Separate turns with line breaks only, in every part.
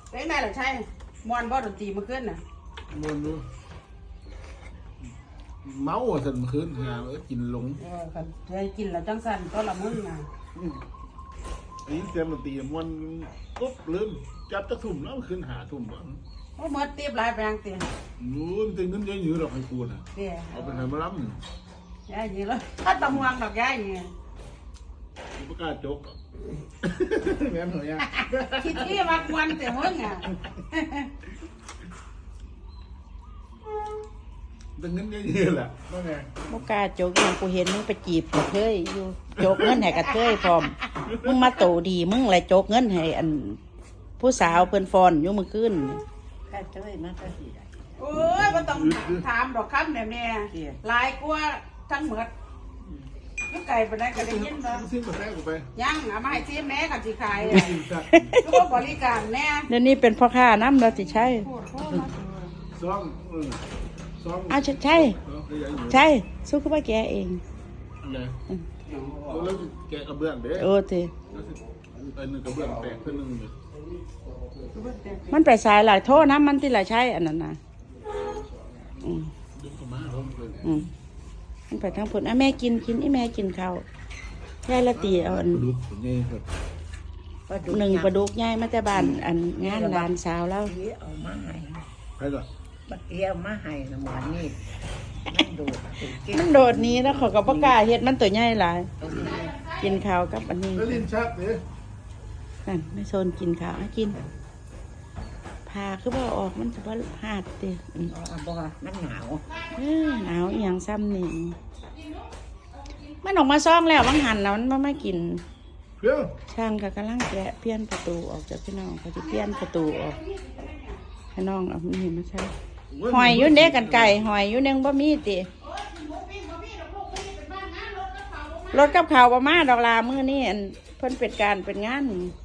เป็นไงล่ะใช่มวนบ่ดนตรีมาขึ้นน่ะ
มวนดูเมาสันคืนงานกินหลง
คันเคยกินแล้วจังสั่นก็ละมึงน่ะ
อันนี้เสียงดนตรีมวนปุ๊บลืมจับตะทุ่มแล้วขึ้นหาทุ่มบ่
โอ้เมื่อตีบหลายแปลงเตีย
นู้นตึงนั้นยังยืดดอกให้กูน่ะเอาไปไหนมาล้
ำย่ายีแล้วถ้าตะมวงดอกย่ายี
ประกาศจกแม่นเหรอ
คิดที่มักวันแต่มึงอ่ะ
ตึงนั้นยังยืดแหละว่าไง
บ่กล้าโจกอย่างกูเห็นมึงไปจีบกระเทยอยู่โจกเงินให้กระเทยพร้อมมึงมาโตดีมึงอะไรโจกเงินให้อันผู้สาวเพิ่นฟอนอยู่มื้อคืนกระเทยมาก็สิได้
โอ้ยบ่ต้องถามดอกคำแม่หลายกว่าทั้งหมดยุกไก่ไปได้ก็ได้ยินบ่
ซื้อกาแฟกูไป
ยังเอามาให้ซีแม่กับสิขายทุกบริการแน่
เดี๋ยวนี้เป็นพ่อค้าน้ำเราสิใช่
ซ่อม
เอาใช่สู้กับว่าแกเอง
อะไรแล้วแกกระเบื้องเด้
โอ้ที
ไอ้หนึ่งกระเบื้องแตกเพิ่นนึง
มันไปสายหลายโทษนะมันที่หลายใช้อันนั้นนะมันไปทางผลแม่กินแม่กินข้าวยายละตีเอาอันหนึ่งปลาดุกยายมาแต่บ้านอันงานร้านสาวแล้ว
เอามาให้
ใครก่อน
บักเกี้ยวมาให้นะหมอนี่
มันโดดนี้แล้วเขาก็ประกาศเฮ็ดมันตัวใหญ่หลายกินข้าวกับอันนี้
ลิ้นชักเลย
นั่นไม่โซนกินข้าวกินพาคือว่าออกมันจะว่าหาดเตี้ย
บ่มันหนาว
หนาวอย่างซ้ำนี่มันออกมาซ่องแล้วบางหันแล้วมันไม่กินช่างก็กำลังแกะเพี้ยนประตูออกจากพี่น้องเขาจะเพี้ยนประตูออกให้น้องเอามีมาใช่หอยยุ่นเด็กกันไก่หอยยุ่นเด้งบะมีตีรถกับข่าวบะมาดอกลามือนี่เพิ่นเป็ดการเป็นงาน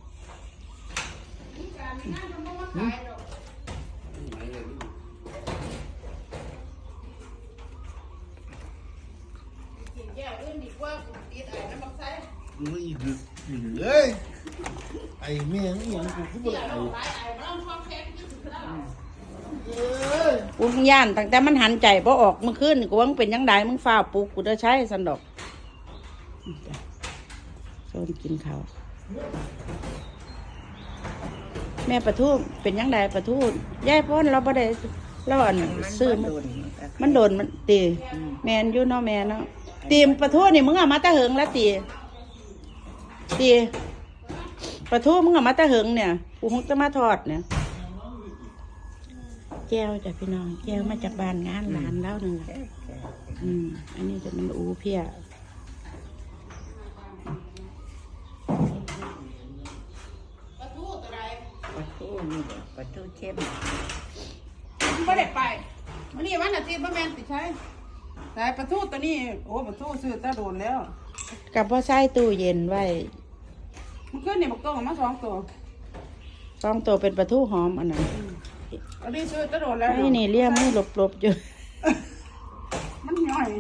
ไม่ดึกเลยไอ้เมียนี่ยังกูก็ไม่
กูย่านตั้งแต่มันหันใจพอออกเมื่อคืนกูว่ามึงเป็นยังไงมึงฟ้าปลุกกูจะใช้สันดอกโซนกินข้าวแม่ประทูเป็นยังไงประทูย่ายพ้นเราบ่ได้เราอันซื้อมันโดนมันตีแมนอยู่เนาะแม่เนาะตีประทูนี่มึงเอามาตะเหิงแล้วตีประทูมึงเอามาตะเหิงเนี่ยกูคงจะมาทอดเนี่ยแก้วจากพี่น้องแก้วมาจากบ้านงานหลานแล้วนึงอันนี้จะมันอูเพี้ย
ปลาทูนี่ปลาทูเข้ม
ไม่ได้ไปวันนี้วันอาทิตย์บ่แม่นติใช่แต่ปลาทูตัวนี้โอ้ปลาทูซื้อตะโดนแล้ว
กับพ่อใส่ตู้เย็นไว้
มันขึ้นนี่บักโตมา2 ตัว
2 ตัวเป็นปลาทูหอมอันนั้น
อันนี้ซื้อตะโดนแล้ว
นี่เลี่ยมมือหลบอยู่
มันย่อย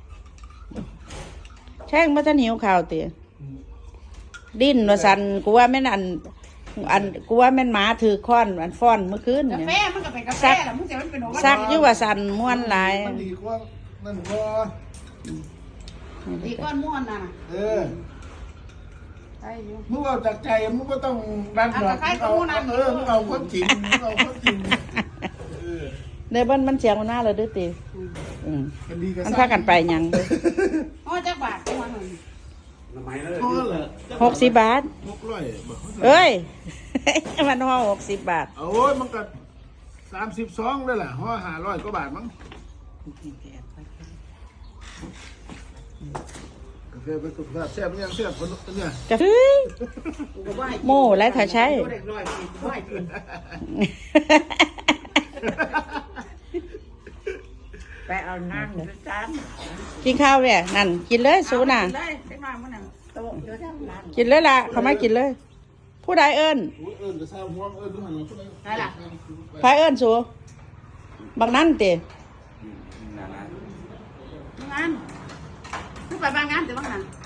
แช่งมาจะหิวข่าวเตี๋ยดิ้นว่าสันกูว่าแม่นอันกูว่าแม่นหมาถือค้อนอันฟ้อนเมื่อคืน
เนี่ยกาแฟมันก็เป็นกาแฟแหละมึงจะมันเป็น
ซักอยู่ว่าสันม้วนหลาย
มันดีกว่านั่นก็
ดีก้อนม้วนน่ะ
มึงเอาจากใจมึงก็ต้องดันหรอกมึงเอาคนจริง
เดี๋ยวมันเสียงมันหน้าเลยด้วยตีมันพากันไปยัง
จักบาทมัน
60 บาทเอ้ยมันห่อ60 บาท
โอ้ยมันก็32ได้แหละห่อ500 กว่าบาทมั้งกาแฟเป็นสุขภาพแซ่บยังแซ่บคนเนี่ย
กาแฟโม่และถ้าใช้
ไปเอานั่งจาน
กินข้าวเนี่ยนั่นกินเลยสูน่ะกินเลยล่ะเขาไม่กินเลยผู้ใดเอิญใครเอิญสูบางนั้นเตะ
งานไปบางงานแต่บางนั้น